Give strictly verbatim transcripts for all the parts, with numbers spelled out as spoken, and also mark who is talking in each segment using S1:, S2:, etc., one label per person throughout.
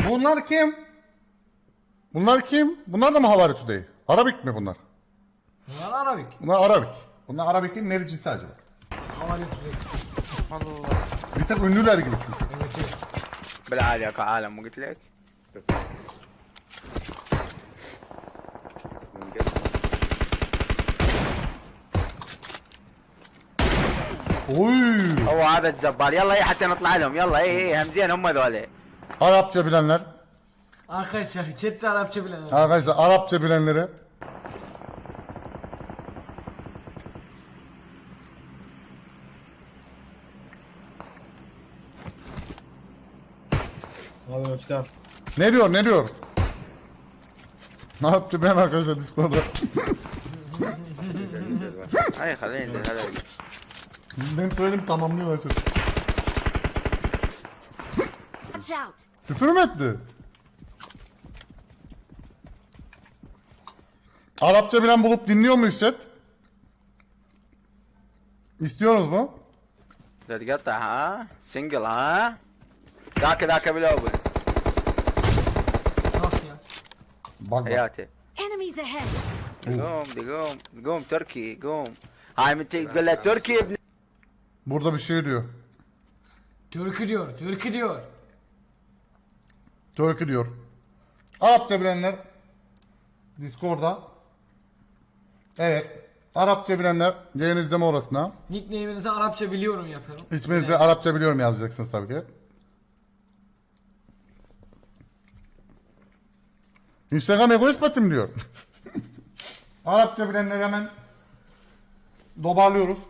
S1: Bunlar kim? Bunlar kim? Bunlar da mı Havari Today? Arabik mi bunlar?
S2: Bunlar Arabik.
S1: Bunlar Arabik. Bunlar Arabik'in nericisi acaba?
S2: Havali tüfek.
S3: Allah Allah.
S1: Bir tek ünlüler gibi çünkü.
S2: Evet evet.
S3: بالعالي يا عالم مو قلت لك؟
S1: Oy!
S3: هو هذا الزبال يلا ايه حتى نطلع لهم يلا ايه ايه همزين هم ذولي.
S1: Arapça bilenler.
S2: Arkadaşlar chatte Arapça bilen.
S1: Arkadaşlar Arapça bilenlere.
S4: Abi öften.
S1: Ne diyor ne diyor? Ne yaptı ben arkadaşlar Discord'da?
S3: هاي خلينا ننزل هذا.
S1: Ben söyledim tamamlıyorlar çocuk.
S5: Watch out!
S1: Küfür mü etti? Arapça bilen bulup dinliyor mu Hüsret? İstiyorsunuz mu?
S3: لا تقطع ها سنجل ها ذاك ذاك بالاول
S2: Nasıl ya?
S1: Bak bak.
S3: حياتي
S5: Enemies ahead!
S3: قوم دي قوم قوم تركي قوم هاي من تقول له تركي ابن
S1: Burada bir şey diyor.
S2: Türkü diyor, Türkü diyor.
S1: Türkü diyor. Arapça bilenler Discord'da. Evet. Arapça bilenler yayın izleme orasına.
S2: Nickname'inizi Arapça biliyorum yapıyorum.
S1: İsminizi Arapça biliyorum yazacaksınız tabii ki. Instagram egoist batım diyor. Arapça bilenleri hemen dobarlıyoruz.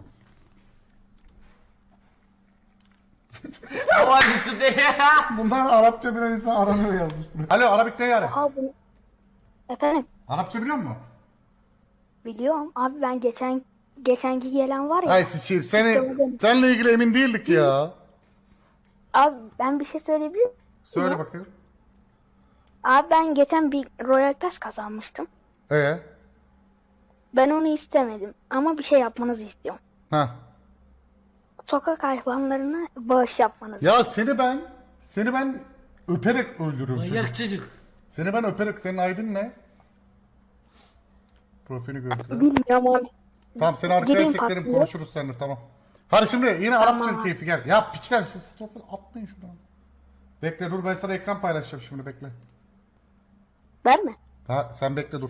S2: Havali tüfek.
S1: Bunlar Arapça bilen insan aranıyor yazmış. Alo Arabik ne yani?
S6: Abi efendim
S1: Arapça biliyor musun?
S6: biliyorum abi ben geçen geçenki gelen var ya
S1: Ay sıçayım seni, seninle ilgili emin değildik ya.
S6: abi ben bir şey söyleyebilir miyim?
S1: Söyle bakayım.
S6: Abi ben geçen bir Royal Pass kazanmıştım.
S1: Ee?
S6: Ben onu istemedim ama bir şey yapmanızı istiyorum.
S1: Ha.
S6: Sokak hayvanlarına bağış yapmanızı.
S1: Ya seni ben, seni ben öperek öldürürüm çocuk.
S2: Manyak çocuk.
S1: Seni ben öperek, senin aydın ne? Profilini görüntüle.
S6: Bilmiyorum abi.
S1: Tamam seni arkaya
S6: Gireyim
S1: çekerim
S6: patlıya.
S1: konuşuruz seninle tamam. Hadi şimdi yine Arapça keyfi gel. Ya piçler şu fotoğrafı atmayın şuradan. Bekle dur ben sana ekran paylaşacağım şimdi bekle.
S6: Verme.
S1: Ha sen bekle dur.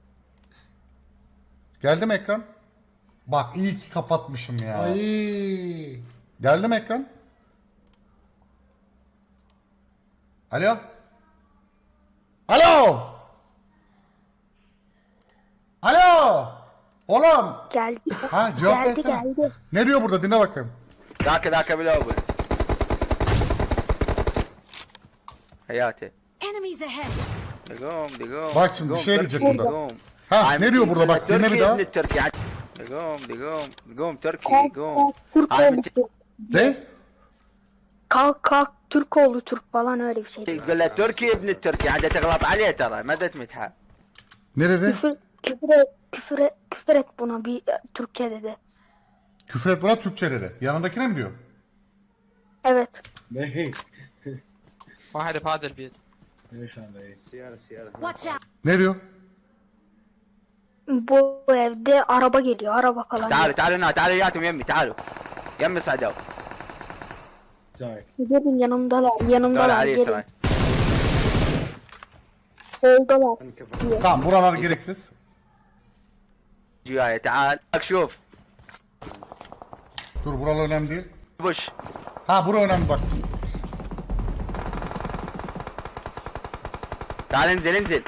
S1: Geldi mi ekran? Bak iyi ki kapatmışım ya.
S2: Ay.
S1: Geldi mi ekran? Alo? Alo? Alo? Oğlum.
S6: Geldi.
S1: Ha cevap
S6: geldi
S1: versene.
S6: geldi.
S1: Ne diyor burada dinle bakayım.
S3: ذاك ذاك بالاول حياتي
S5: Enemies ahead!
S3: قوم دي قوم
S1: Bak şimdi bir
S3: قوم
S1: şey
S3: تركي،
S1: diyecek burada.
S3: قوم
S1: Ha
S3: هاي
S1: ne
S3: من
S1: diyor
S3: تقول
S1: burada
S3: له
S1: bak dinle bir
S3: تركي
S1: daha.
S3: ابن التركي قوم دي قوم قوم تركي
S6: Kalk
S3: قوم
S6: kalk Türk
S3: هاي من
S6: oğlu Türk.
S1: Ne?
S6: Kalk kalk Türk oğlu Türk falan öyle bir şey.
S3: تقول له تركي ابن التركي عاد تغلط عليه ترى ما تمدحه
S1: Ne dedi?
S6: Küfür, küfür, et, küfür, et, küfür et buna bir e, Türkçe dedi.
S1: Küfür et buna Türkçe dedi. Yanındakine mi diyor?
S6: Evet.
S4: Ne?
S3: واحد بهذا البيت
S4: Ne şu anda?
S5: Watch out!
S1: Ne diyor?
S6: Bu evde araba geliyor. Araba falan.
S3: تعالوا تعالوا هنا تعالوا وياتهم يمي تعالوا يمي صعدوا
S4: Cahil.
S6: Gelin yanımdalar.
S3: دول
S6: Yanımdalar.
S3: علي
S6: Gelin.
S3: يسرى
S6: Soldalar.
S1: Tamam buralar gereksiz.
S3: جوايا تعال شوف
S1: Dur buralar önemli değil.
S3: بوش
S1: Ha bura önemli bak.
S3: تعال انزل انزل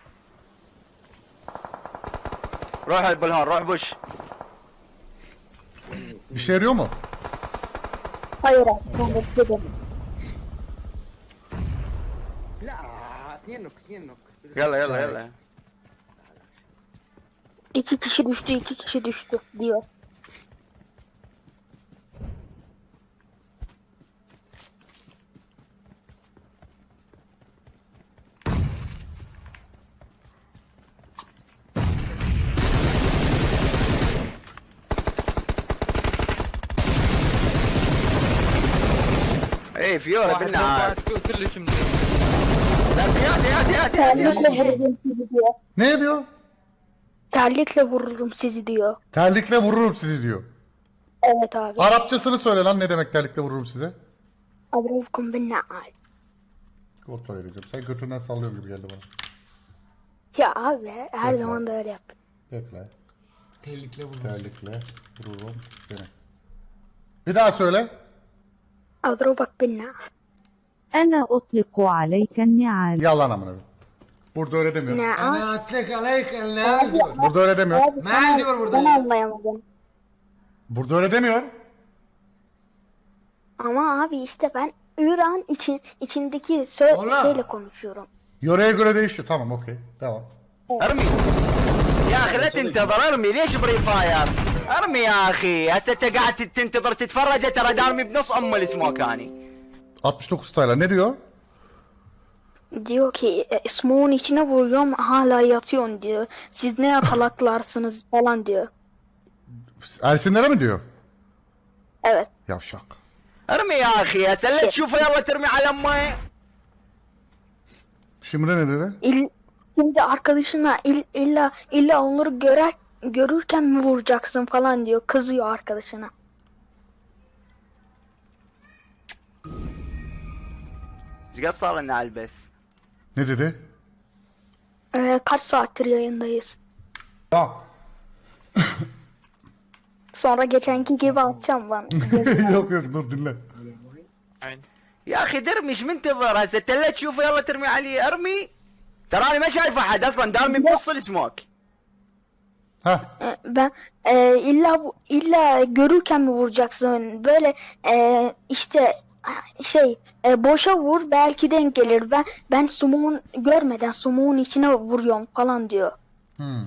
S3: روح البلهون روح بوش
S1: Bir şey yarıyor mu?
S6: Hayır abi. Ben de dedim.
S3: يلا يلا يلا
S6: İki kişi düştü. iki kişi düştü diyor.
S3: ايه فيورا
S7: واحد
S3: بالنهار
S7: واحد كلش منيح
S3: Hadi hadi hadi hadi.
S6: Terlikle vururum sizi diyor.
S1: Ne diyor?
S6: Terlikle vururum sizi diyor.
S1: Terlikle vururum sizi diyor.
S6: Evet abi.
S1: Arapçasını söyle lan, ne demek terlikle vururum size?
S6: Adrevkum bin na'al.
S1: Kontrol edeceğim. Sen götünden sallıyorsun gibi geldi bana.
S6: Ya abi her
S1: Yok
S6: zaman da öyle yap.
S1: Bekle.
S2: Terlikle vurmuş.
S1: Terlikle vururum seni. Bir daha söyle.
S6: Adrevbak bin na'al.
S7: أنا أطلق عليك النعال.
S1: Yalan amına. koyayım. Burada öyle demiyor.
S6: Na'al.
S2: Ana atlek aleyk el diyor.
S1: Burada öyle demiyor.
S6: Abi
S2: Men
S6: sen-
S2: diyor burada
S6: Ben
S2: ya.
S6: anlayamadım.
S1: Burada öyle demiyor.
S6: Ama abi işte ben İran için içindeki sö-
S2: Oğlum.
S6: şeyle konuşuyorum.
S1: Yöreye göre değişiyor. Tamam, okey. Devam.
S3: ارمي يا اخي لا تنتظر ارمي ليش بري فاير ارمي يا اخي هسه انت قاعد تنتظر تتفرج ترى دارمي بنص ام السموكاني
S1: altmış dokuz tayla ne diyor?
S6: Diyor ki e, smoke'un içine vuruyorum hala yatıyorsun diyor. Siz ne yakalaklarsınız falan diyor.
S1: Ersinlere mi diyor?
S6: Evet.
S1: Yavşak.
S3: ارمي يا اخي هسه لا تشوفه يلا ترمي على امه
S1: Şimdi ne dedi?
S6: İl, şimdi arkadaşına il, illa illa onları görer görürken mi vuracaksın falan diyor. Kızıyor arkadaşına.
S3: ايش قد صار لنا على البث
S1: Ne dedi?
S6: Ee, kaç saattir yayındayız.
S1: Ya.
S6: Sonra geçenki gibi atacağım ben.
S1: yok yok dur dinle.
S3: يا اخي درمي ايش منتظر هسه انت لا تشوفه يلا ترمي عليه ارمي تراني ما شايف احد اصلا دارمي بنص السموك
S1: Ha.
S6: Ee, ben e, illa bu- illa görürken mi vuracaksın? Böyle e, işte şey e, boşa vur belki denk gelir. Ben ben smoke'un görmeden smoke'un içine vuruyorum falan diyor.
S1: Hmm.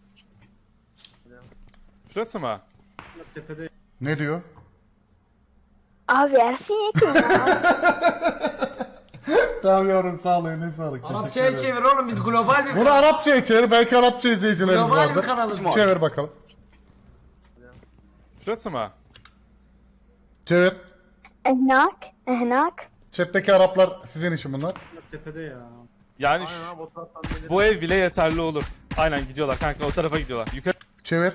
S8: Şurası mı?
S4: Tepede.
S1: Ne diyor?
S6: Abi Ersin Yekin ya.
S1: Tamam yavrum, sağ ol, ne sağlık.
S2: Arapçaya çevir oğlum, biz global bir
S1: Bunu Arapçaya çevir, belki Arapça izleyicilerimiz
S2: global bir
S1: vardır.
S2: kanalız.
S1: Çevir bakalım.
S8: Şurası mı?
S1: Çevir.
S6: Ehnak, ehnak.
S1: Chat'teki Araplar sizin işin bunlar.
S4: Tepede ya.
S8: Yani şu- bu ev bile yeterli olur. Aynen gidiyorlar kanka, o tarafa gidiyorlar. Yukarı
S1: Çevir.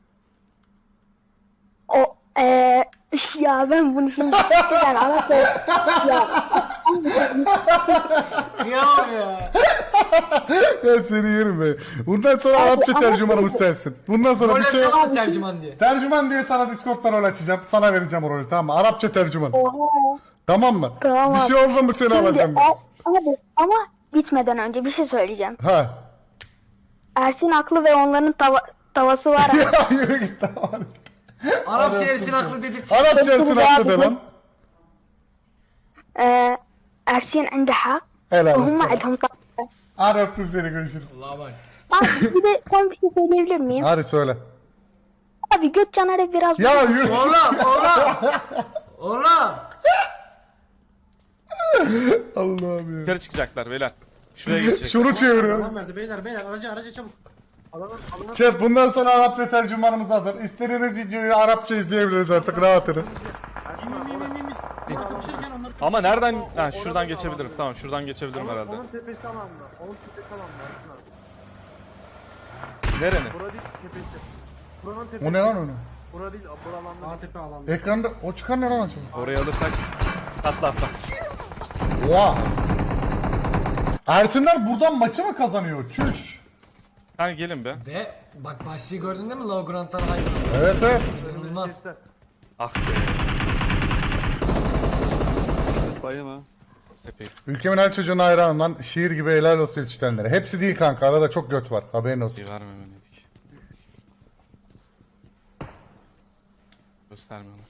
S6: O eee ya ben bunu şimdi gerçekten Arapça ya
S2: Ya ya.
S1: Ya seni yerim be. Bundan sonra Arapça
S6: Arapça-
S1: tercümanımız sensin. Bundan sonra bir
S2: Rol
S1: şey...
S2: açalım mı tercüman diye?
S1: Tercüman diye sana Discord'dan rol açacağım. Sana vereceğim o rolü, tamam mı? Arapça tercüman.
S6: oha.
S1: Tamam mı?
S6: Tamam.
S1: Bir şey oldu mu seni
S6: Şimdi,
S1: alacağım ben.
S6: a- abi ama bitmeden önce bir şey söyleyeceğim.
S1: Ha.
S6: Ersin haklı ve onların tava, tavası var.
S1: Ya yürü git, tamam.
S2: Arapça Ersin haklı dedi.
S1: Arapça Ersin haklı de lan.
S6: Eee Ersin عنده حق
S1: Helal
S6: وهم
S1: olsun.
S6: عندهم طاقة.
S1: Hadi öptüm seni, görüşürüz.
S2: Allah'a bak.
S6: Abi bir de son bir şey söyleyebilir miyim?
S1: Hadi söyle.
S6: Abi göt canare biraz
S1: Ya yürü.
S2: Oğlum oğlum. Oğlum.
S1: Allah'ım ya.
S8: yukarı çıkacaklar beyler. Şuraya geçecek.
S1: Şunu çeviriyorum.
S4: Adam verdi beyler beyler aracı aracı çabuk.
S1: Şef, bundan sonra Arapça tercümanımız hazır. İstediğiniz videoyu Arapça izleyebiliriz artık, rahat edin.
S4: Kapışırken onları
S8: Ama nereden? Ha, şuradan geçebilirim. Tamam, şuradan geçebilirim herhalde.
S9: Onun tepesi alanda. Onun tepesi alanda. Ersin abi.
S8: Nerenin?
S9: Bura değil tepesi. Buranın tepesi.
S1: O ne lan öyle?
S9: Bura değil, bura alanda.
S4: A tepe alanda.
S1: Ekranda o çıkan ne lan acaba?
S8: Orayı alırsak atla atla.
S1: Oha. Ersinler buradan maçı mı kazanıyor? Çüş.
S8: Kanka gelin be.
S2: Ve bak başlığı gördün değil mi? Low Grant'tan hayvan.
S1: Evet evet.
S2: İnanılmaz.
S8: Ah be. Tepeyi.
S1: Ülkemin her çocuğuna hayranım lan. Şiir gibi helal olsun yetiştirenlere. Hepsi değil kanka. Arada çok göt var. Haberin olsun.
S8: İyi vermemeliydik. Göstermiyorlar.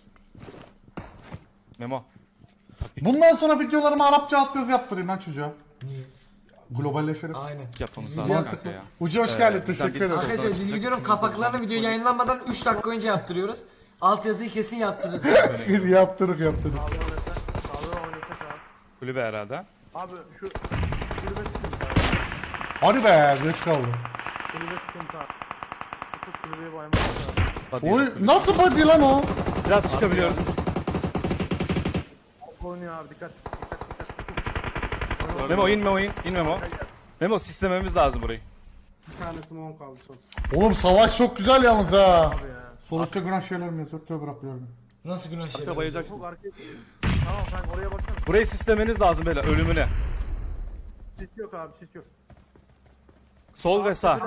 S8: Memo.
S1: Bundan sonra videolarıma Arapça alt yazı yaptırayım lan çocuğa.
S2: Niye?
S1: Globalleşelim.
S2: Aynen.
S8: Yapmamız
S2: Biz
S8: lazım
S2: video-
S8: kanka ya.
S1: Ucu hoş
S8: Ee,
S1: geldin.
S8: bizden
S1: Teşekkür
S8: birisi
S1: ederim.
S8: oldu.
S2: Arkadaşlar biz videonun kapaklarını video yayınlanmadan üç dakika önce yaptırıyoruz. Alt yazıyı kesin yaptırdık.
S1: yaptırık yaptırık.
S9: Sağlığı oynasak abi.
S8: Kulübe herhalde.
S9: Abi şu kulübe sıkıntı abi.
S1: Hadi be, geç kaldım.
S9: Kulübe sıkıntı abi. Şu kulübeye baymak lazım.
S8: Hadi
S1: Oy,
S8: kulübe.
S1: nasıl body lan o?
S8: Biraz çıkabiliyoruz.
S9: Oynuyor abi dikkat. Dikkat dikkat.
S8: Memo in Memo in. İn Memo. Memo sistememiz lazım burayı.
S4: Bir tane smoke kaldı son.
S1: Oğlum savaş çok güzel yalnız ha.
S9: Abi ya.
S1: Sol üstte günah şeyler mi yazıyor? Tövbe bırakıyorum.
S2: Nasıl günah şeyler?
S8: Arka bayılacak.
S9: Çok arkaya. Tamam kanka oraya baksana.
S8: Burayı sistemeniz lazım beyler ölümüne.
S9: Sis yok abi sis yok.
S8: Sol ve sağ.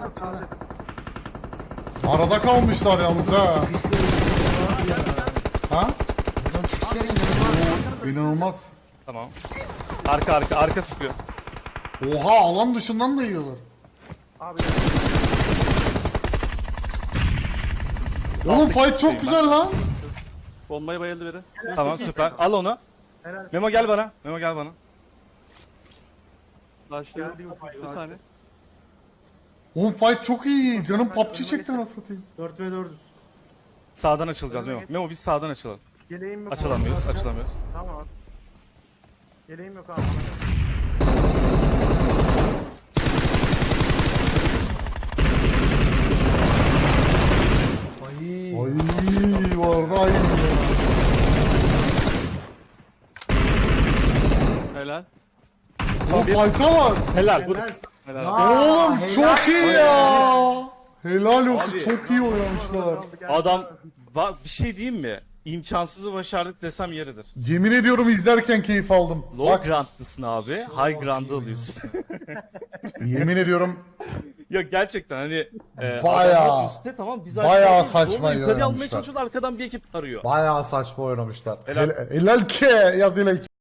S1: Arada kalmışlar yalnız ha. Ha?
S2: Buradan çıkışları inanılmaz.
S1: İnanılmaz.
S8: Tamam. Arka arka arka sıkıyor.
S1: Oha alan dışından da yiyorlar.
S9: Abi
S1: Oğlum fight çok güzel lan.
S8: Bombaya bayıldı biri. Tamam süper. Al onu.
S9: helal.
S8: Memo gel bana. Memo gel bana.
S9: Geldi bir saniye.
S1: Oğlum fight çok iyi. Canım P U B G çekti nasıl satayım.
S4: dört ve dördüz.
S8: Sağdan açılacağız Memo. Memo biz sağdan açılalım.
S9: Yeleğim yok.
S8: Açılamıyoruz, açılamıyoruz.
S9: Tamam abi. Yeleğim yok abi.
S2: Ay.
S1: Ay var da aynı.
S8: Helal.
S1: Oğlum fight'a bak.
S8: Helal. Bu
S4: Helal.
S8: helal.
S2: Aa,
S1: Oğlum
S2: helal.
S1: çok iyi ya. Helal olsun
S8: Abi.
S1: çok iyi oynamışlar.
S8: Adam bak bir şey diyeyim mi? İmkansızı başardık desem yeridir.
S1: Yemin ediyorum izlerken keyif aldım.
S8: Low
S1: Bak
S8: grant'lısın abi. High grant'ı alıyorsun.
S1: yemin ediyorum
S8: Yok gerçekten hani e,
S1: Bayağı-
S8: adamlar üstte tamam biz
S1: bayağı
S8: aşağıdayız.
S1: saçma
S8: Zorla yukarı almaya
S1: oynamışlar.
S8: çalışıyoruz arkadan bir ekip arıyor.
S1: bayağı saçma oynamışlar.
S8: Helal.
S1: Helal, helal ki yaz helal ki.